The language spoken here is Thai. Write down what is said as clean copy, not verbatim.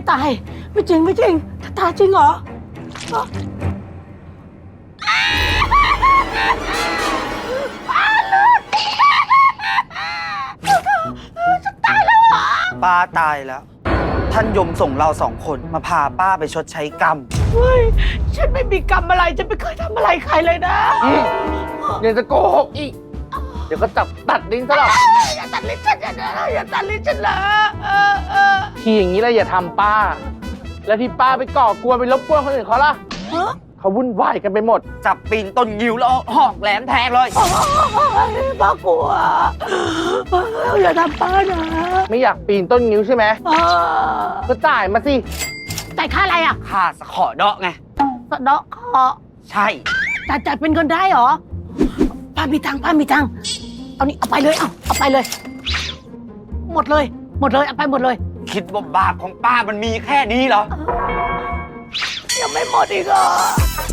ตายไม่จริงไม่จริงจะตายจริงเหรอป้าเลือดจะตายแล้วเหรอป้าตายแล้ว ท่านยมส่งเรา2 คนมาพาป้าไปชดใช้กรรมเฮ้ยฉันไม่มีกรรมอะไรฉันไม่เคยทำอะไรใครเลยนะยังจะโกหกอีก เดี๋ยวก็จับตัดลิ้นซะหรอกอย่าตัดลิ้นฉันอย่าตัดลิ้นฉันเลยทีอย่างนี้แล้วอย่าทำป้า แล้วที่ป้าไปก่อกวนไปรบกวนคนอื่นเขาล่ะฮะเขาวุ่นวายกันไปหมดจับปีนต้นงิ้วแล้วเอาหอกแหลมแทงเลยป้ากลัวอย่าทำป้านะไม่อยากปีนต้นงิ้วใช่ไหมก็จ่ายมาสิจ่ายค่าอะไรอ่ะข้าสะขอเดาะไงสะเดาะเคราะห์ใช่จ่ายเป็นเงินได้เหรอป้ามีตังค์เอานี่เอาไปเลยเอาไปเลย หมดเลยเอาไปหมดเลยคิดว่าบาปของป้ามันมีแค่นี้เหรอยังไม่หมดอีกเหรอ